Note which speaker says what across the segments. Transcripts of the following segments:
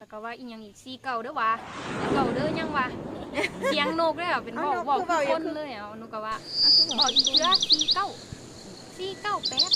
Speaker 1: แล้วก็ว่าอีหยังอีกซีเก่าเด้อวะเก่าเด้อยังวะเสียงนกเลยเป็นบอกคนเลยหนูก็ว่าบอกอีกเชื้อ498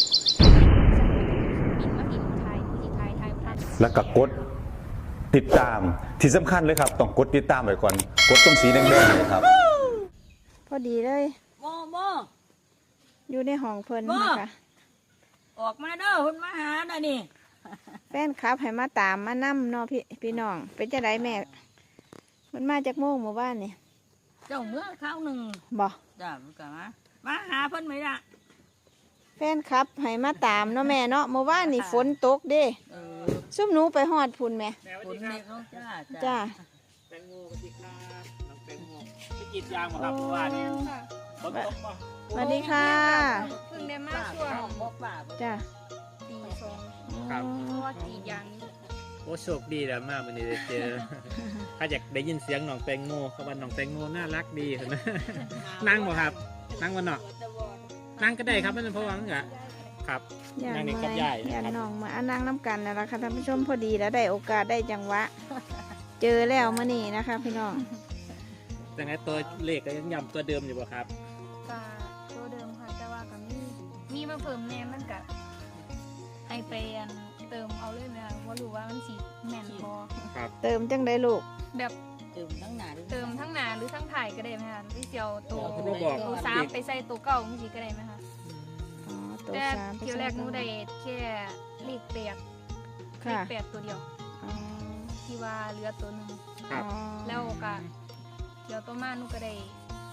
Speaker 1: บินมาบินไทยมือไทยพัน
Speaker 2: แล้วก็กดติดตามที่สำคัญเลยครับต้องกดติดตามไว้ก่อนกดตรงสีแดงๆเลยครับ
Speaker 3: พอดีเลย
Speaker 4: โม
Speaker 3: อยู่ในห้องเพิ่นนะคะ
Speaker 4: ออกมาเด้อเพิ่นมาหาน่ะนี่
Speaker 3: แฟนคลับให้มาตามมานั่เนาะพี่น้องเป็นจังไดแม่มันมาจากโมงหมู่บ้านนี่
Speaker 4: เจ้าเมื่อคราวหนึ่ง
Speaker 3: บ่
Speaker 4: จ้ามันก็มาหาเพิ่นไหมล่ะ
Speaker 3: แฟนคลับให้มาตามเนาะแม่เนาะหมู่บ้านนี่ฝนตกเด้ซุ่มหนูไปฮอดพุ่นแม่
Speaker 4: ฝนเมฆน้อง
Speaker 3: จ้า
Speaker 5: แตงโมสวัสดีครับน้องแตงโมไปกินยางมาครับเมื่อวานนี้ฝนตกมา
Speaker 3: สวัสดีค่ะ
Speaker 1: เพิ่งได้มาช่วง
Speaker 3: จ้า
Speaker 1: ตี2ครับเพราะว่ากี่อย่างนี้
Speaker 5: โอ้โชคดีแล้วมากวันนี้ได้เจอถ้าอยากได้ยินเสียงน้องแตงโมเขาว่าน้องแตงโมน่ารักดีเห็นไหมนั่งบ่ครับนั่งวันเนาะนั่งก็ได้ครับไม่เป็นเพราะว่างั้นครับนั่งนี่กับยาย
Speaker 3: นะครับน้องมานั่งน้ำกันนะล่ะค่ะท่านผู้ชมพอดีแล้วได้โอกาสได้จังหวะเจอแล้วมื้อนี้นะคะพี่น้อง
Speaker 5: แต่ไงตัวเลขก็ยังย้ำตัวเดิมอยู่บ่ครับ
Speaker 1: ก็ตัวเดิมค่ะแต่ว่าก็มีมาเพิ่มแน่มันก็ให้ไปเติมเอาเลยนะว่ารู้ว่ามันสิแม่นพอ
Speaker 5: ครับ
Speaker 3: เติมจังได้ลูก
Speaker 1: แบบ
Speaker 4: เติมทั้งหน้าหรือ
Speaker 1: ทั้งถ่ายก็ได้ไหมคะหรือเจียวตัว3ไปใส่ตัวเก่ามันสิก็ได้ไหมคะแต่เที่ยวแรกหนูได้แค่เลข8ตัวเดียวที่ว่าเหลือตัวนึงแล้วก็เดี๋ยวตัวมาหนูก็ได้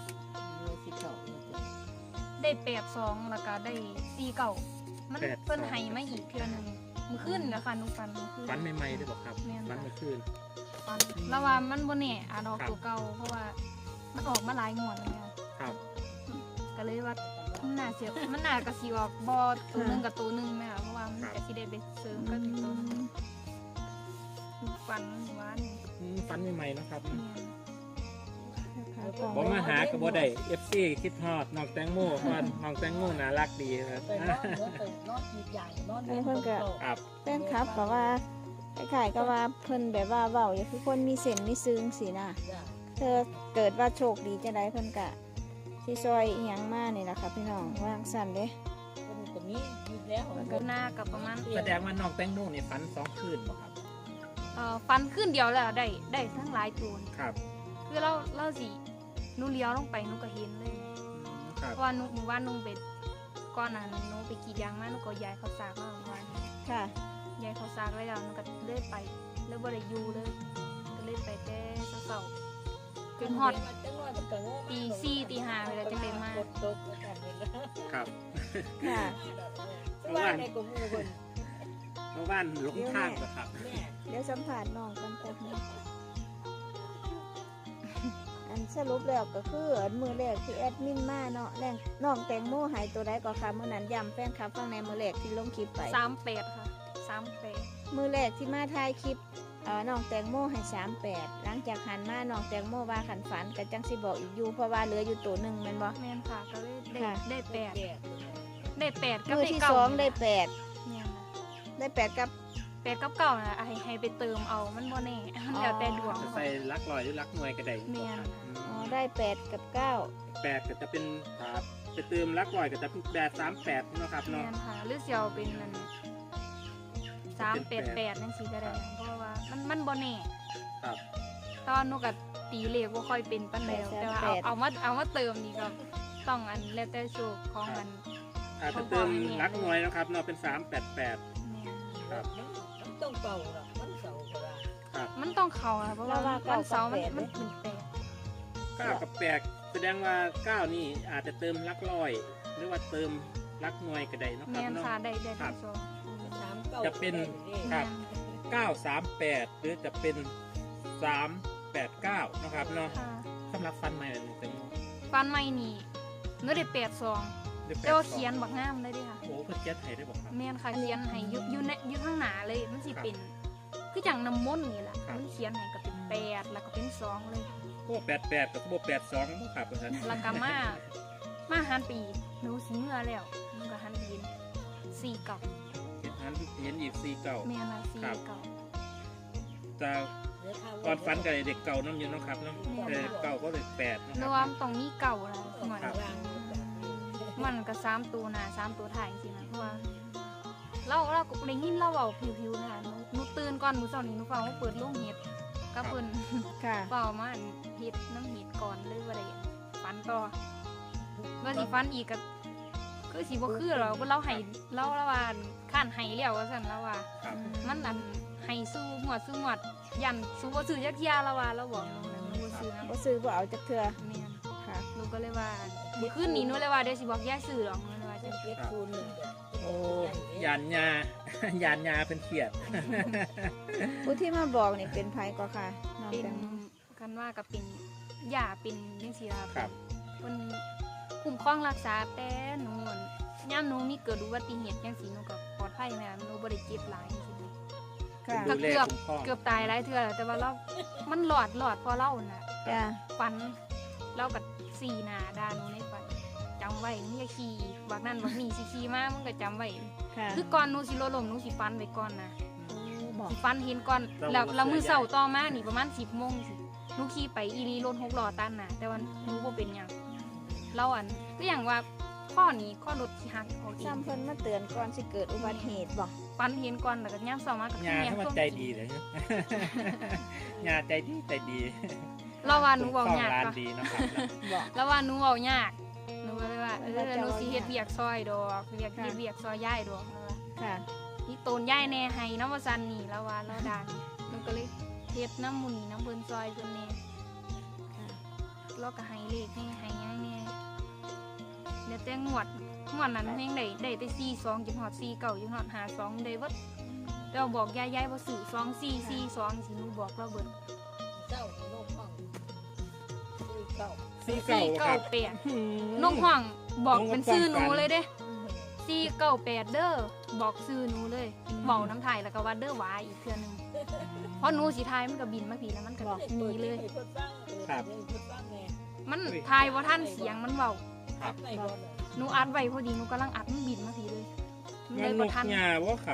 Speaker 1: 82แล้วก็ได้49มันเพิ่นให้มาอีกเทื่อนึงมื้อคืนนะคะหนูฝัน
Speaker 5: ใหม่ๆได้บ่ครับฝันเมื่อคืน
Speaker 1: ฝันแล้วว่ามันบ่แน่อาจออกตัวเก่าเพราะว่ามันออกมาหลายงวดแล้ว
Speaker 5: ครับ
Speaker 1: ก็เลยว่ามันน่าก็สิออกบ่ตัวนึงกับตัวนึงแม่ค่ะเพราะว่ามันก็สิได้ไปเสริมกันอีกตัวนึงฝัน
Speaker 5: ใหม่ๆนะครับบ่มาหาก็บ่ได้ FC คิดฮอดน้องแตงโมว่าน้องแตงโมน่ารักดีครับ
Speaker 3: เพิ่นก็แฟนคลับก็ว่าคล้ายๆก็ว่าเพิ่นแบบว่าเว้าอย่างคือคนมีเส้นมีซึ้งสินะเธอเกิดว่าโชคดีจังได๋เพิ่นก็สิซอยอีหยังมานี่ล่ะค่ะพี่น้องวางสั่นเด้
Speaker 4: ตรงนี้แล้ว
Speaker 1: ก็หน้ากับประมาณ
Speaker 5: แสดงว่าน้องแตงโมนี่ฝัน2คืนบ่ครับ
Speaker 1: ฝันคืนเดียวแล้วได้ทั้งหลายตัว
Speaker 5: ครับ
Speaker 1: คือเราสิหนูเลี้ยวลงไปหนูก็เห็นเลยเพราะว่าหนูว่าหนูเป็นก้อนนั้นหนูไปกรีดยางมาหนูก็ย้ายเขาซากมาเมื่อวาน
Speaker 3: ค่ะ
Speaker 1: ย้ายเขาซากไว้แล้วหนูก็เลื่อยไปแล้วบ่ได้อยู่เลยก็เลยไปแต่เช้าจนฮอดตี 4 ตี 5เวลาจะเป็นมา
Speaker 5: ครับ
Speaker 3: ค่ะ
Speaker 5: เมื่อวานหลงทางเหรอครับ
Speaker 3: เดี๋ยวสัมผัสน้องกันแป๊บนึงอันสรุปแล้วก็คือมือแรกที่แอดมินมาเนาะแรงน้องแตงโมหายตัวใดก็ค่ะมื้อนั้นย้ำแฟนคลับฟังในมือแรกที่ลงคลิปไป
Speaker 1: 38ค่ะ38
Speaker 3: มือแรกที่มาถ่ายคลิปน้องแตงโมให้38หลังจากหันมาน้องแตงโมว่าขันฝันก็จังสิบอกอีกอยู่เพราะว่าเหลืออยู่ตัวนึงแม่นบ่
Speaker 1: แม่นค่ะก็เลยได้8กับ
Speaker 3: มือที่2ได้8
Speaker 1: เนี่ย
Speaker 3: ได้8กับ
Speaker 1: 9น่ะให้ไปเติมเอามันบ่แน่แล้วแต่ดวง
Speaker 5: ใส่ลักลอยหรือลักหน่วยก็ได้
Speaker 1: แม่น
Speaker 3: ได้8กับ9
Speaker 5: 8ก็จะเป็นไปเติมลักลอยก็จะเป็น38เนาะครับเนาะ
Speaker 1: แม่นค่ะหรือสิเอาเป็นนั่น388จังซี่ก็ได้เพราะว่ามันบ่แน่
Speaker 5: ครับ
Speaker 1: ตอนหนูก็ตีเลขบ่ค่อยเป็นปานใดแต่ว่าเอามาเติมนี่ก็ต้องอันแล้วแต่โชคของมัน
Speaker 5: อาจจะเติมลักหน่วยนะครับเนาะเป็น388ครับ
Speaker 4: ต้องเป่าหรอมันเสาก็ได้
Speaker 1: มันต้องเข่าเพราะว่าวันเสาร์มันเป็น
Speaker 5: 9กับ8แสดงว่า9นี่อาจจะเติมลักลอยหรือว่าเติมลักหน่วยก็ได้เนาะครับเนาะ
Speaker 1: ได้ทั้งสอง
Speaker 5: จะเป็นครับ938หรือจะเป็น389นะครับเนาะสำหรับฟันใหม่เลยเป็น
Speaker 1: ฟันใหม่นี่เนื้อได้82แต่ว่าเขียนบักงามได้ดิค่ะ
Speaker 5: โอ้เพิ่นเขียนให้ได้บ่ครับ
Speaker 1: แม่นค่ะเขียนให้อยู่ข้างหน้าเลยมันสิเป็นคือจังน้ำมนต์นี่แหละมันเขียนให้ก็เป็น8แล้วก็เป็น2เลย
Speaker 5: โอ้88กับ82บ่ครับเพิ่น
Speaker 1: แล้วก็มาหันปีหนูสิเมื่อแล้วหนูก็หันปี49
Speaker 5: เห็นอีก49
Speaker 1: แม่นล่ะ49
Speaker 5: จะก่อนฟันกับเด็กเก่าน้ำอยู่เนาะครับเนาะเก่าก็เด็ก8นะค
Speaker 1: ร
Speaker 5: รับ
Speaker 1: วมตรงนี้เก่าอะไรเหมือน
Speaker 5: ครับ
Speaker 1: มันก็3ตัวหน้า3ตัวท้ายจริงๆนะเพราะว่าเราก็ได้ยินเราเว้าผิวๆนะคะหนูตื่นก่อนมื้อเช้านี้หนูฟังว่าเปิดโรงเฮ็ดก็เพิ่น
Speaker 3: ค่ะ
Speaker 1: เว้ามาเฮ็ดน้ำเฮ็ดก่อนเลยบ่ได้ฟันต่อว่าสิฟันอีกก็คือสิบ่คือหรอกเราให้เราว่าข้านให้แล้วว่าซั่นแล้วว่า
Speaker 5: ครับ
Speaker 1: มันอันให้สู้หวดยันสู้บ่ซื้อจักเที่ยแล้วว่าเราบอกน้องนั้นบ่ซื้อนะ
Speaker 3: บ่ซื้อบ่เอาจักเทื่อ
Speaker 1: แม่น
Speaker 3: ค่ะ
Speaker 1: หนูก็เลยว่ามื้อคืนนี้หนูเลยว่าเดี๋ยวสิบอกยายซื้อหรอกหนูเลยว่าจัง
Speaker 4: เก็บคูณหนึ่ง
Speaker 5: โอ้ยานยายานยาเป็นเขียด
Speaker 3: ผู้ที่มาบอกนี่เป็นไผก็ค่ะน้อง
Speaker 1: เป็น
Speaker 3: แตงโม
Speaker 1: กันว่าก็เป็นยาเป็นจังซี่ล่ะ
Speaker 5: ครับ
Speaker 1: เพิ่นคุ้มครองรักษาแต่หนูอั่นยามหนูมีเกิดอุบัติเหตุจังซี่หนูก็ปลอดภัยแม่หนูบ่ได้เจ็บหลายจังซี่
Speaker 3: ค่ะ
Speaker 1: ก็
Speaker 5: ดูแลคุ้มครอง
Speaker 1: เกือบตายหลายเทื่อแล้วแต่ว่าเรามันหลอดพอเล่าน่ะ
Speaker 3: จ้ะ
Speaker 1: ฝันเล่ากับสีหนาดาหนูในฝันจำไว้มึงอย่าขี่บักนั่นบักนี่สิขี่มามึงก็จำไว้
Speaker 3: ค่ะ
Speaker 1: คือก่อนหนูสิโลลมหนูสิฟันไว้ก่อนนะ
Speaker 3: บอก
Speaker 1: สิฟันเห็นก่อนแล้วมือเสาต่อมานี่ประมาณ10 โมงสิหนูขี่ไปอีรีรถ6 ล้อตันน่ะแต่ว่าหนูบ่เป็นหยังเราอันก็อย่างว่าข้อนี้ข้อรถสิหักออกเอง
Speaker 3: ซ้ำเพิ่นมาเตือนก่อนสิเกิดอุบัติเหตุบ่
Speaker 1: ฟันเห็นก่อนแล้วก็ย่ำเสามากับ
Speaker 5: ยา
Speaker 1: แม่
Speaker 5: ถ้ามันใจดีเลยนะ ยาใจดี
Speaker 1: เราว่าหนูเว้ายาก
Speaker 5: ร้าน
Speaker 1: ปะ
Speaker 5: ดีเนาะครับ
Speaker 3: บอก
Speaker 1: แล้วว่าหนูเอายากหนูก็เลยว่าหนูสิเฮ็ดเวียกซอยดอกเฮ็ดเวียกซอยย่ายดอกนั่นล่ะ
Speaker 3: ค่ะ
Speaker 1: นี่โตนย่ายแน่ให้น้ำว่าซันนี่แล้วว่าเราดานหนูก็เลยเฮ็ดน้ำหมุนน้ำเพิ่นซอยเพิ่นแน่
Speaker 3: ค่ะ
Speaker 1: เราก็ให้เลขให้หยังแน่เดี๋ยวแต่งวดนั้นแฮงได้แต่42จนฮอด49จนฮอด52ได้เบิดเราบอกยายบ่ซื้อ2442สิหนูบอกเราเบิด
Speaker 4: เจ้าโลกห้องเก่า
Speaker 1: 498น้องห้องบอกเป็นชื่อหนูเลยเด้ 498เด้อบอกซื้อหนูเลยเว้าน้ำไทยแล้วก็ว่าเด้อหวาอีกเทื่อนึงเพราะหนูสิทายมันก็บินมาผีแล้วมันก็หนีเลย มันทายว่าท่านเสียงมันเว้า
Speaker 5: ครับ
Speaker 1: หนูอัดไว้พอดีหนูกำลังอัดมันบินมาผีเลยหนู
Speaker 5: มั
Speaker 1: เล
Speaker 5: น
Speaker 1: ย
Speaker 5: น
Speaker 1: บ่
Speaker 5: ก
Speaker 1: ทัน
Speaker 5: ยาว่าครับ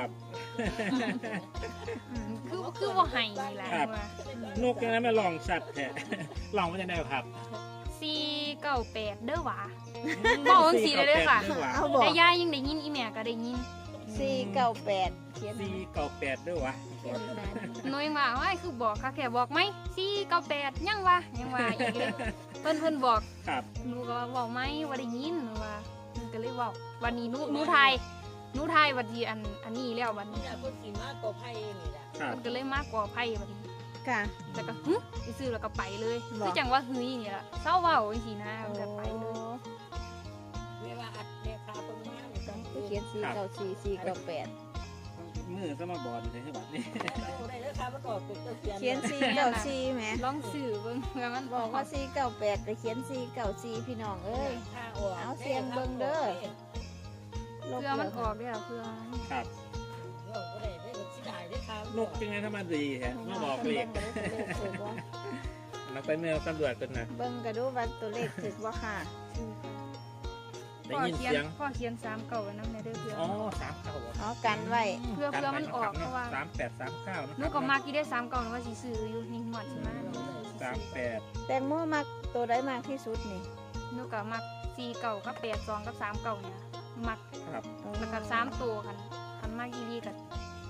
Speaker 1: คือว่าไห้นี่แหละ
Speaker 5: ครับ
Speaker 1: ว่าน
Speaker 5: กยังไงมาลองสัตว์แท้ ลองมันจะได้ครับ
Speaker 1: 498เด้อหวาบอกจังซี่เลยเด้อค่ะ
Speaker 3: เอาบอก
Speaker 1: แต่ยายยังได้ยินอีแม่ก็ได้ยิน
Speaker 3: 498เขียน
Speaker 5: 498ด้วยวะ
Speaker 1: หนูยังว่าว่าคือบอกค่ะแค่บอกไหม498ยังว่าอีกเลยเพิ่นบอก
Speaker 5: ครับ
Speaker 1: หนูก็ว่าบอกไหมว่าได้ยินหนูว่าหนูก็เลยบอกวันนี้หนูทายวันที่อันนี้แล้ววันนี้
Speaker 4: นี่แหละคนสีมากกว่าไพ่นี่แหละ
Speaker 5: ครับ
Speaker 1: มันก็เลยมากกว่าไพ่วันนี้
Speaker 3: ค่ะ
Speaker 1: แต่ก็ไปซื้อแล้วก็ไปเลย
Speaker 3: บอก
Speaker 1: คือจังว่าเฮ้ยอย่างเงี้ยละเศร้าเว้าจังซี่นะมันก็ไปเลย
Speaker 4: เวลาอัดเรียคาตรงนี้มันต้อง
Speaker 3: ผู้เขียน494
Speaker 5: มือสมาบอลเลยใช่ไหมนี่
Speaker 4: ได้แล้วค่ะมันออกเป็นเขียน
Speaker 3: 498เขียน494แหม
Speaker 1: ลองซื้อเบิ่งเพื่อมัน
Speaker 3: บอกว่า498ไปเขียน494พี่น้องเอ้ย เอาเสียงเบิ่งเด้อ ลบ
Speaker 1: เพื่อมันออกได้แล้วเพื่อ
Speaker 5: ครับ
Speaker 4: ก็ได้ได้สิได้ได้ค่ะ
Speaker 5: นกยังไงถ้ามาดีแฮะมาบอกเลขนักไปเมื่อตำรวจกันนะ
Speaker 3: เบิ่งก็ดูว่าตัวเลขถึกบ่ค่ะ
Speaker 5: ได้ยินเสียง
Speaker 1: พ่อเขียน3เก่าไว้นำในเด้อเพื่อ
Speaker 5: อ๋อ39
Speaker 3: เอากันไว้
Speaker 1: เพื่อมันออกเพราะว่า
Speaker 5: 3839นะ
Speaker 1: หนูก็มักอีได้3เก่าว่าสิซื้ออยู่นี่หมดใช่มั้ย
Speaker 5: 38
Speaker 3: แตงโมมักตัวใดมากที่สุดนี่
Speaker 1: หนูก็มัก4เก่ากับ82กับ3เก่าเนี่ยมัก
Speaker 5: ครับ
Speaker 1: แล้วก็3ตัวคันมากอีหลีก็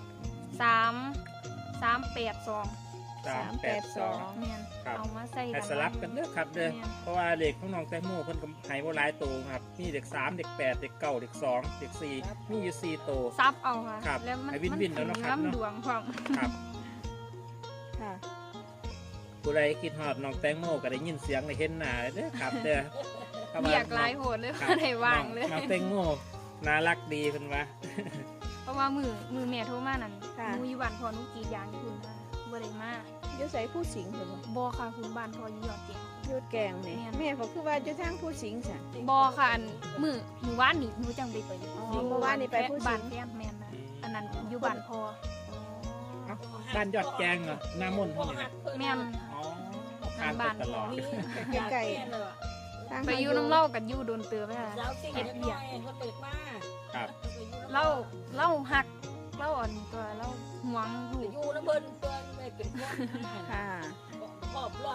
Speaker 1: 382
Speaker 5: 382
Speaker 1: แม่น
Speaker 5: ครับ
Speaker 1: เอามาใส่
Speaker 5: ให้สลับกันเด้อครับเด้อเพราะว่าเด็กของน้องแตงโมเพิ่นก็ให้บ่หลายตัวครับมีเด็ก3เด็ก8เด็ก9เด็ก2เด็ก4มีอยู่4ตัว
Speaker 1: ซับเอาค่ะ
Speaker 5: ครับ
Speaker 1: แล้วมัน
Speaker 5: ให้วินๆแล้วเนาะครับ
Speaker 1: น้ำดวงความ
Speaker 5: ครับ
Speaker 3: ค่ะ
Speaker 5: ผู้ใดคิดฮอดน้องแตงโมก็ได้ยินเสียงได้เห็นหน้าเด้อครับเด้อ
Speaker 1: เบียกหลายโหดเลย
Speaker 5: ครั
Speaker 1: ว่าได้วางเลย
Speaker 5: น้องแตงโมน่ารักดีเพิ่นว่า
Speaker 1: เพราะว่ามือแม่โทรมานั่น
Speaker 3: ค่ะ
Speaker 1: หนูอยู่บ้านพอหนูกรีดยางอยู่คุณค่ะบ่ได้มา
Speaker 3: อยู่ใส่ผู้สิงเพิ่นบ่
Speaker 1: บ่ค่ะคุณบ้านพออยู่ยอดเจ็บ
Speaker 3: อยุดแกงนี่
Speaker 1: แม่น
Speaker 3: แม่เขาคือว่าอยู่ทางผู้สิงซะ
Speaker 1: บ่ค่ะอันมือว่านนี่หนูจังไป
Speaker 3: อ๋อเมื่อวานนี่ไปผู้สิง
Speaker 1: บ้านแฟนแม่นนะอันนั้นอยู่บ้านพอ
Speaker 5: บ้านยอดแกงเหรอหน้ามนต์เท่านี้นะ
Speaker 1: แม่น
Speaker 5: อ๋อผ่านไปตลอด
Speaker 3: ใกล้ๆทาง
Speaker 1: ไปอยู่น้ำเล่ากับอยู่โดนเตือไปค่ะ
Speaker 4: สาวสิ่งเล็กน้อยเขาเปิดมา
Speaker 5: ครับ
Speaker 1: เล่าหักเล่าอ่อนตัวเล่าห่วงลูก
Speaker 4: อยู่น้ำเพิ่นเพิ่นไปเป็นพวก
Speaker 3: ค่ะ
Speaker 4: ขอบละ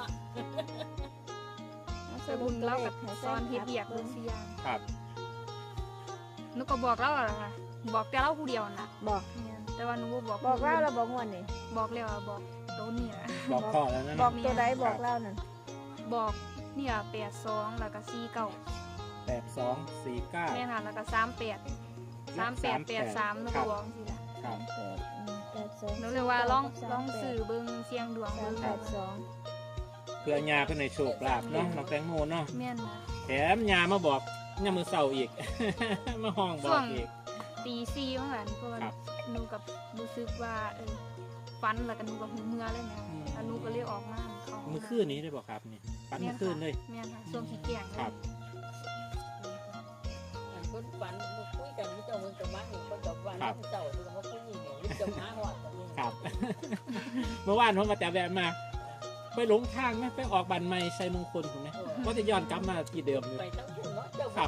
Speaker 3: ส
Speaker 1: แต่
Speaker 3: รุ
Speaker 1: บุ
Speaker 3: ป
Speaker 1: ญ
Speaker 3: ตัว
Speaker 1: เรา
Speaker 3: เล
Speaker 1: กั
Speaker 3: ข
Speaker 1: บ
Speaker 3: ให้แฟ
Speaker 1: ซ้อน
Speaker 3: น
Speaker 1: เฮ็ด
Speaker 3: คลับ
Speaker 1: เบียก
Speaker 3: เบิ่
Speaker 1: เบิ่
Speaker 3: ง
Speaker 1: งสิอย่าง
Speaker 5: ครับ
Speaker 1: หนูก็บอกเราอะค่ะบอกแต่เราผู้เดียวน่ะ
Speaker 3: บอก
Speaker 1: เนี่ยแต่ว่าหนูบ่บอก
Speaker 3: บอกเล่าแล้วบอกงวดนี่
Speaker 1: บอกแล้วอะบอกตัวเนี่ย
Speaker 5: บอกพ่อแล้วนะ
Speaker 3: บอกตัวใดบอกเล่านั่น
Speaker 1: บอกเนี่ย82แล้วก็49
Speaker 5: 8249
Speaker 1: แม่นค่ะแล้วก็38 หนูก็บอกสิล่ะ
Speaker 5: ครับ
Speaker 3: 82
Speaker 1: หนูเลยว่าลองสื่อเบิ่งเสียงดวงเบิ่ง
Speaker 3: 382
Speaker 5: เพื่อยาเพื่อในโชคลาภเนาะน้องแตงโมเนาะ
Speaker 1: แม่นนะ
Speaker 5: แถมยามาบอกยามมือเศร้าอีก มาห้องบอกอีก
Speaker 1: ตี4ว่าหั่นเพราะว่า
Speaker 5: ครับ
Speaker 1: หนูกับรู้สึกว่าฝันแล้วก็หนูก็หูเมื่อเลยนะแล้วหนูก็เลยออกมาเขา
Speaker 5: มือคืนนี้ได้บอกครับนี่ปันมือคืนเลย
Speaker 1: แม่นค่ะช่วงขี้เกียจเล
Speaker 5: ครั
Speaker 1: ย
Speaker 5: บ
Speaker 4: คนฝันมาคุยกันมิเจ้ามึงกับมาเห็นคนกับว่ามิเจ้าดูเขาคุยอย่างนี้มิเจ้ามาหอดแบบนี้
Speaker 5: ครับ เมื่อวานผมมาแต่แบบมา ไปหลงทางไหมไปออกบันไม่ใช่มงคลถูกไหมว่าจะย้อนกลับมาที่เดิมอยู่
Speaker 4: ไปตั้งคุณเนาะเจ้า
Speaker 5: ครับ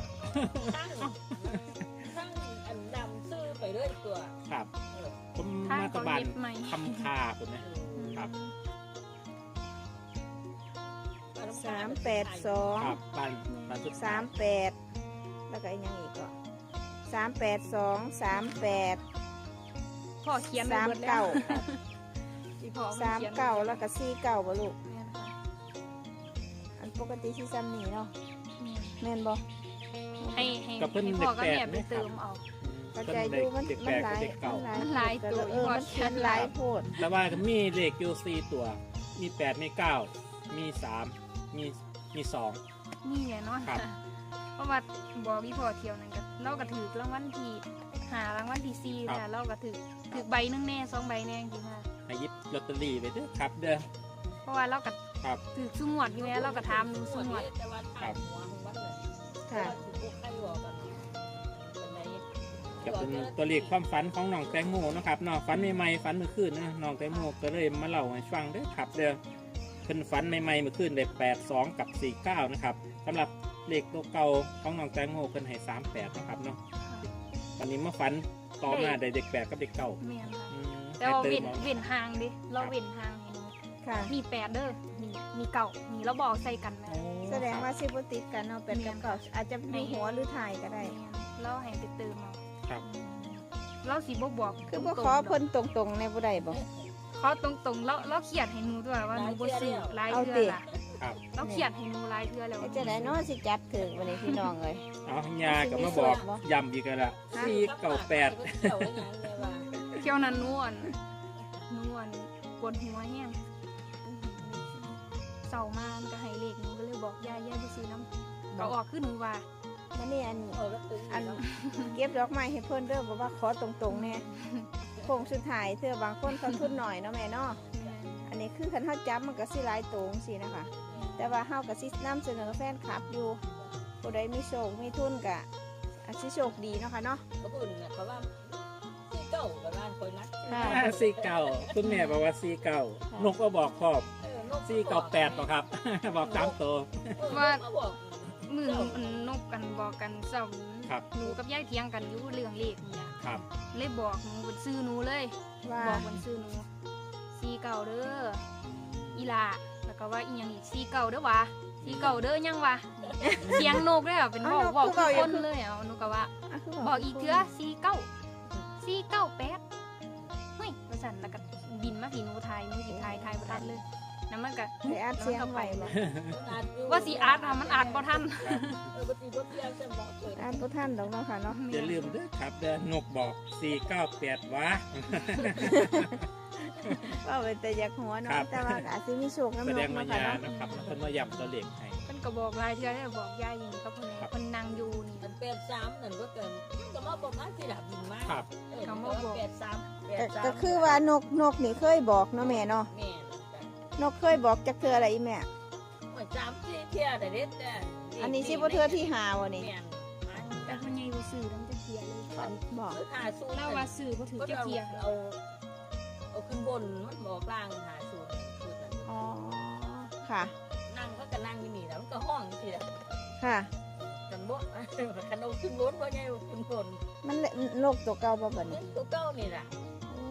Speaker 4: ทั้งอันดำซื้อไปเรื่อยตัว
Speaker 5: ครับผม
Speaker 1: ทาง
Speaker 5: มาตะ
Speaker 1: เขา
Speaker 5: บัน
Speaker 1: เย็บใหม่
Speaker 5: คำคาถูกไหม ครับ
Speaker 3: 382
Speaker 5: ครับบันสุดท้าย
Speaker 3: 38แล้วก็อีกอย่างอีกก็382 38
Speaker 1: พ่อเขียนไว้เบิดแล้ว
Speaker 3: 39
Speaker 1: ที่พ่อมันเขียนไว้
Speaker 3: 39แล้วก็49บ่ลูก
Speaker 1: แม่นค่ะ
Speaker 3: อันปกติสิซ้ำนี่เนาะ
Speaker 1: แม่น
Speaker 3: แม่นบ่
Speaker 1: ให้
Speaker 5: กับเพิ่น
Speaker 1: พ่อกับ
Speaker 5: เด็ก
Speaker 1: แม่
Speaker 5: ๆ
Speaker 1: ไป
Speaker 5: ไหมครับ
Speaker 1: เติมเอา
Speaker 3: กระจายอยู่มัน
Speaker 5: เด็ก
Speaker 3: มัน
Speaker 5: แปลก
Speaker 3: หลาย
Speaker 5: กับเด็กเก่า
Speaker 1: มันหลายตัว
Speaker 3: มันเขียนหลายโพด
Speaker 5: แต่ว่ามีเลขอยู่4ตัว มี8มี9มี3มี2
Speaker 1: นี่แหละเนาะ
Speaker 5: ครับ
Speaker 1: เพราะว่าบอกพี่พ่อเที่ยวนั่นก็เราก็ถือรางวัลที่5รางวัลที่4ค่ะเราก็ถือใบหนึงแน่2ใบแน่จริงๆค่ะ
Speaker 5: ให้หยิบลอตเตอรี่ไปเด้อครับเด้อ
Speaker 1: เพราะว่าเราก็
Speaker 5: ครับ
Speaker 1: ถือซุ่มหวดอยู่แล้วเราก็ถามหนูซุ่มหวด
Speaker 4: แต่ว่าทางหัวของวัดเลย
Speaker 3: ค่ะ
Speaker 4: พวกใครบอกกันเป็นไหน
Speaker 5: ก็เป็นตัวเลขความฝันของน้องแตงโมเนาะครับเนาะฝันใหม่ๆฝันเมื่อคืนนะน้องแตงโมก็เลยมาเล่าให้ฟังเด้อครับเด้อเพิ่นฝันใหม่ๆเมื่อคืนได้82กับ49นะครับสำหรับเลขตัวเก่าของน้องแตงโมเพิ่นให้38นะครับเนาะวันนี้มาฝันต่อมาได้เด็ก8กับเด็กเก่า
Speaker 1: แม่นค่ะ
Speaker 5: อืม
Speaker 1: แต่ว่า
Speaker 5: ให้
Speaker 1: เว้น
Speaker 5: ติม
Speaker 1: เว้นห่างดิเราเว้นห่างให้หนู
Speaker 3: ค่ะ
Speaker 1: มี8เด้อมีเก่ามีเราบอกใส่กันแม่
Speaker 5: เอา
Speaker 3: แสดงว่าสิบ่ติดกันเนาะเป็นกับเก่าอาจจะมีหัวหรือถ่ายก็ได้
Speaker 1: เราให้ไปเติมเอา
Speaker 5: ครับ
Speaker 1: เราสิบ่บอก
Speaker 3: คือบ่
Speaker 1: ตรงๆ
Speaker 3: ขอเพิ่นตรงๆในบ่ได้บ่
Speaker 1: ขอตรงๆเราเขียนให้หนูด้วยว่าหนูบ่ซื้อหลาย
Speaker 3: เอา
Speaker 1: เทื่
Speaker 3: ติ
Speaker 1: อล่ะ
Speaker 5: ครับ
Speaker 1: เราเขียนให้หนูหลายเทื่อแล้ว
Speaker 3: ไอ้จะได้เนาะสิจับถึงวันนี้พี่น้องเอ้ย
Speaker 5: เอายาก็มาบอกย้ำอีกแล้วล่ะ498
Speaker 4: เจ้าอย่างนี้ว่า
Speaker 1: เที่ยวนั้นนวลปวดหัวแห้งเศร้ามากก็ให้เลขหนูก็เลยบอกยายบ่ซื้อน้ำก็ออกคือหนูว่า
Speaker 3: มันนี่อัน
Speaker 4: โอ้แล้วตึง
Speaker 3: อันเก็บดอกไม้ให้เพิ่นเด้อบอกว่าขอตรงๆแน่โค้งสุดท้ายเธอบางคนเขาทุนหน่อยเนาะแม่เนาะอันนี้คือคันเฮาจับมันก็สิหลายตรงสินะคะ แต่ว่าเฮาก็สินำเสนอแฟนคลับอยู่ผู้ใดมีโชคมีทุนก็อาจสิโชคดีเนาะค่ะเนาะ
Speaker 4: เขาพูดเนี่ยเขาว่าที่เก่ากับร้านคนนัด
Speaker 3: ค่ะ
Speaker 5: 49คุณแม่บอกว่า49นกก็บอกครอบ498บ่ครับ บอกตามตัว
Speaker 4: เขาบอก
Speaker 1: มือนกกันบอกกันเศร้า
Speaker 5: ครับ
Speaker 1: หนูกับยายเถียงกันอยู่เรื่องเลขนี่ล่ะ
Speaker 5: ครับ
Speaker 1: เลยบอกหนูบนซื้อหนูเลย
Speaker 3: ว่า
Speaker 1: บอกบนซื้อหนู49เด้ออีหลาแล้วก็ว่าอีหยังอีก49เด้อวะ49เด้อยังวะเสียงนกเลยอ่ะเป็นบอกทุกคนเลยอ่ะหนูก็ว่า
Speaker 3: ะคื
Speaker 1: บอกอีกเทื่อ498เฮ้ยว่าซั่นแล้วก็บินมาพี่หนูไทยหนูสิไทยบ่ทันเลยแล้วมันก็
Speaker 3: ได้อัดเสียงไว้บ่
Speaker 1: ว่าสิอาร์ตอะมันอาร์ตบ่ทัน
Speaker 4: ปกติรถเที่ยวจะบอกเปิด
Speaker 3: อ่านบ่ทันดอกเนาะค่ะเนาะ
Speaker 5: อย่าลืมเด้อครับเด้อนกบอก498วะ
Speaker 3: ว่าเป็นแต่อยากหัว
Speaker 5: ครั
Speaker 3: เนาะ
Speaker 5: บ
Speaker 3: แต่ว่าก็อาจสิมีโชค
Speaker 5: แส
Speaker 3: น้ำน
Speaker 5: ด
Speaker 3: ก
Speaker 5: งมา
Speaker 3: เนาะค่ะ
Speaker 5: ยา
Speaker 3: เนาะ
Speaker 5: นะครับเพิ่นมาย้ำตัวเลขให้
Speaker 1: เพิ่นก็บอกหลายเทื่อแล้วบอกยายอย่างนี้ก็เพิ่นเพิ่นนั่งอยู่นี่
Speaker 4: มันเป็นซ้ำนั่นก็เกินก็มาบอกมาที่ดับบินมาก
Speaker 5: ครับ
Speaker 4: เป็นซ้ำ
Speaker 3: ก็คือว่านกนี่เคยบอกเนาะแม่เนาะ
Speaker 4: แม่
Speaker 3: นกเคยบอกจักเทื่ออะไรอีแม่
Speaker 4: เหมือนซ้ำที่เที่ยวแต่เด็ดแต่
Speaker 3: อันนี้สิบ่เทื่อที่หาวะนี่
Speaker 4: แม่
Speaker 1: แต่เพิ่นยังบ่ซื้อแล้วมันจะเคลียร์เลย
Speaker 3: บอก
Speaker 4: หาสู
Speaker 1: เล่าว่าซื้อบ่ถือจะเคลียร์
Speaker 4: เอาขึ้นบนมันบอกล่างหาสูตร
Speaker 3: อ๋อค่ะ
Speaker 4: นั่งก็จะนั่งอยู่นี่แล้วมันก็ห้องทีละ
Speaker 3: ค่ะ
Speaker 4: กันบ่คันเอาขึ้นรถเพราะไงขึ้นบน
Speaker 3: มันนกตัวเก่าบ่บัด
Speaker 4: นี่
Speaker 3: นี้
Speaker 4: ตัวเก้านี่แหละ
Speaker 3: อืม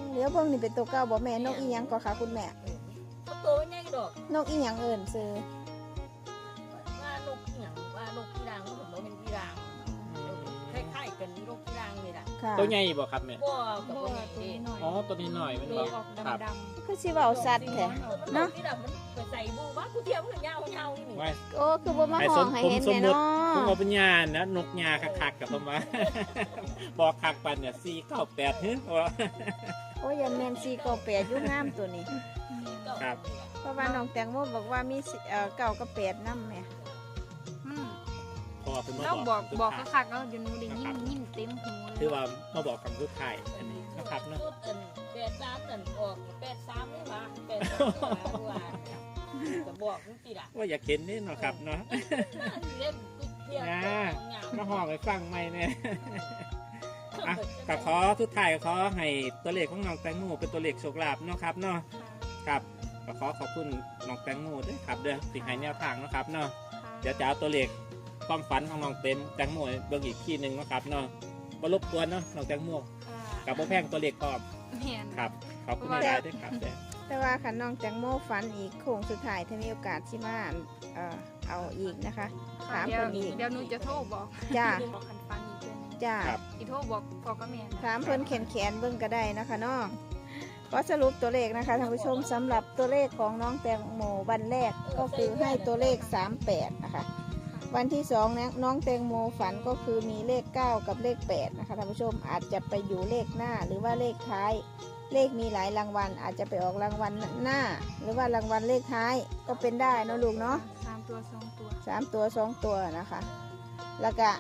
Speaker 3: เดี๋ยวเบิ่งนี่เป็นตัวเก่าบ่แม่นกอีหยังก็ค่ะคุณแม่
Speaker 4: ตัวใหญ่ดอก
Speaker 3: นกอีหยังเอิ้นซื้อ
Speaker 4: ว่านกหยังว่านกกีรางมันบ่เป็นกีรางคล้ายๆกันนกกีรางนี่ล่ะ
Speaker 3: ค่ะ
Speaker 5: ตัวใหญ่บ่ครับแม่
Speaker 4: บ่กับ
Speaker 1: บ่
Speaker 4: บ่ใหญ่
Speaker 1: ตัว
Speaker 4: เด้
Speaker 1: นี้หน่อย
Speaker 5: อ๋อตัวนี้หน่อยมัน
Speaker 1: ตั
Speaker 5: บ่
Speaker 1: วออก
Speaker 5: ครับ
Speaker 1: ดำ
Speaker 3: คือสิเว้าสัตว์แท้
Speaker 4: เนาะที่ดำมันไปใส่บูว่ากูเทียมมันยาวๆนี่
Speaker 5: ไว้
Speaker 3: โอ้คือบ่มาห้องให้เห็นแน่เนา
Speaker 5: ผม
Speaker 3: ะ
Speaker 5: เอาเป็นญาณนะนกยาคักๆกับผมว่า บอกคักปันเนี่ย498ฮึว่า
Speaker 3: โอ้ยอย่าแม่น498อยู่งามตัวนี้
Speaker 5: ครับ
Speaker 3: เพราะว่าน้องแตงโมบอกว่ามี9กับ8นำแม่
Speaker 1: มัน
Speaker 5: เพราะว่าเป็นมา
Speaker 1: เรา
Speaker 5: บอก
Speaker 1: บอกคักๆแล้วเดี๋ยวหนูได้ยินเต็มหูเลย
Speaker 5: คือว่ามาบอกคำสุดท้ายอันนี้นะครับเนาะ
Speaker 4: ชุดอัน83นั่นออก83นี่ว่า83ว่าจะบอกมึงสิล่ะ
Speaker 5: ว่าอยากเห็นนี่เนาะครับเนาะ
Speaker 4: เล่นเทียม
Speaker 5: มาห้องไปฟังใหม่เนี่ย อ่ะก็ขอทุกท่ายก็ขอให้ตัวเลขของน้องแตงโมเป็นตัวเลขโชคลาภเนาะครับเนาะครับก็ขอขอบคุณน้องแตงโมด้วยครับเด้อที่ให้แนวทางเนาะครับเนาะเดี๋ยวจะเอาตัวเลขความฝันของน้องแตงโมเบิ่งอีกทีหนึ่งเนาะครับเนาะบ่รบกวนเนาะน้องแตงโมกับบ่แพงตัวเลขพร้อม
Speaker 1: แม่น
Speaker 5: ครับขอบคุณหลายๆด้วยครับเด้อ
Speaker 3: แต่ว่าคันน้องแตงโมฝันอีกโค้งสุดท้ายถ้ามีโอกาสสิมาเอาอีกนะคะถาม
Speaker 1: เดี๋ยว
Speaker 3: เพิ่นอีก
Speaker 1: เดี๋ยวหนูจะโทรบอก
Speaker 3: จ้า
Speaker 1: บอกคันฟังอีกเทื่อนึง
Speaker 3: จ้า
Speaker 5: ครับ
Speaker 1: อีโทรบอกพ่อกับแม่
Speaker 3: ถามเพิ่นแขนเบิ่งก็ได้นะคะเนาะก็สรุปตัวเลขนะคะท่านผู้ชมสำหรับตัวเลขของน้องแตงโมวันแรกก็คือให้ตัวเลข38นะคะวันที่2นะน้องแตงโมฝันก็คือมีเลข9กับเลข8นะคะท่านผู้ชมอาจจะไปอยู่เลขหน้าหรือว่าเลขท้ายเลขมีหลายรางวัลอาจจะไปออกรางวัลหน้า หรือว่ารางวัลเลขท้ายก็เป็นได้เนาะลูกเนาะ
Speaker 1: 3 ตัว 2 ตัว
Speaker 3: 3 ตัว 2 ตัวนะคะ แล้วก็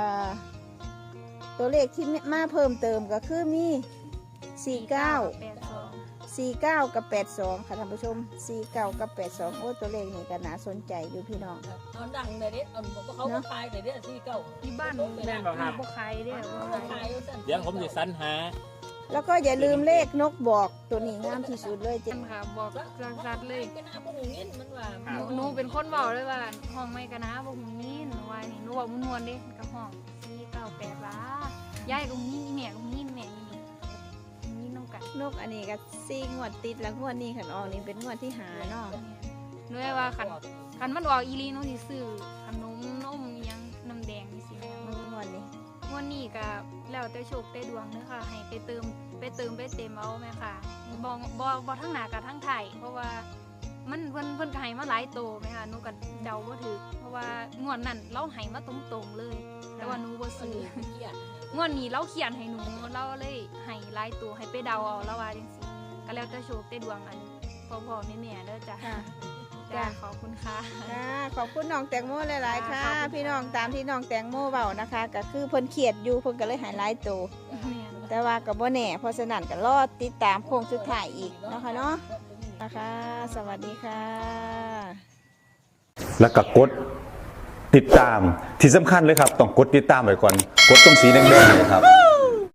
Speaker 3: ตัวเลขที่มาเพิ่มเติมก็คือมี 49 กับ 82 ค่ะท่านผู้ชม 49 กับ 82 โอ้ตัวเลขนี่ก็น่าสนใจอยู่พี่น้อง
Speaker 4: เอาดังเลยเด้เอาเขาก็ขายเลยเด้ที่เก่า
Speaker 1: ที่บ้าน
Speaker 5: แม่นบ่ครับ
Speaker 1: บ่ขายเด้อบ่
Speaker 4: เขา
Speaker 1: ขาย
Speaker 4: ขายสั่น
Speaker 5: เดี๋ยวผมจะสรรหา
Speaker 3: แล้วก็อย่าลืมเลขนกบอกตัวนี้งามที่สุดเลย
Speaker 1: เจนค่ะบอกชัดๆเลย
Speaker 4: ก็น่าพวกหูเงี้ยมันว่า
Speaker 1: หนูเป็นคนบอกเลยว่าห้องไม่กันนะบ่หูยินว่านี่หนูบอกมวนๆเด้กับห้อง498ล้ายายก็หูยินอีแม่ก็หูยินแม่ยินยินน้องกัน
Speaker 3: นกอันนี้ก็4 งวดติดแล้วงวดนี้ขันออกนี่เป็นงวดที่หาเนาะ
Speaker 1: หนูว่าคันมันออกอีหลีหนูสิซื้อขนมนมอิหยังน้ำแดงนี่สิแม่
Speaker 3: งวดนี้
Speaker 1: วันนี้ก็แล้วแต่โชคแต่ดวงเด้อค่ะให้ไปเติมไปเต็มเอาแม่ค่ะบ่ทั้งหน้ากับทั้งไทยเพราะว่ามันเพิ่นก็ให้มาหลายโตแม่ค่ะหนูก็เดาบ่ถูกเพราะว่างวดนั้นเราให้มาตรงๆเลย แต่ว่าหนูบ่ซื้อ
Speaker 4: เกียด
Speaker 1: งวดนี้เราเขียนให้หนูเราเลยให้หลายตัวให้ไปเดาเอาแล้วว่าจังซี่ก็แล้วแต่โชคแต่ดวงอันพ่อๆแม่ๆเด้อจ้ะ
Speaker 3: ค่ะ
Speaker 1: จ้าขอบคุณค่ะ
Speaker 3: ค่ะขอบคุณน้องแตงโมหลายๆค่ะ
Speaker 1: ขอบคุณค่ะ
Speaker 3: พี่น้องตามที่น้องแตงโมเบานะคะก็คือเพิ่นเขียดอยู่เพิ่นก็เลยหายหลายตัว
Speaker 1: แม่น
Speaker 3: แต่ว่ากับบ่แน่เพราะฉะนั้นก็รอติดตามโค้งสุดท้ายอีกเนาะคะเนาะนะคะ สวัสดีค่ะ
Speaker 2: แล้วก็กดติดตามที่สำคัญเลยครับต้องกดติดตามไว้ก่อนกดตรงสีแดงๆเนยครับ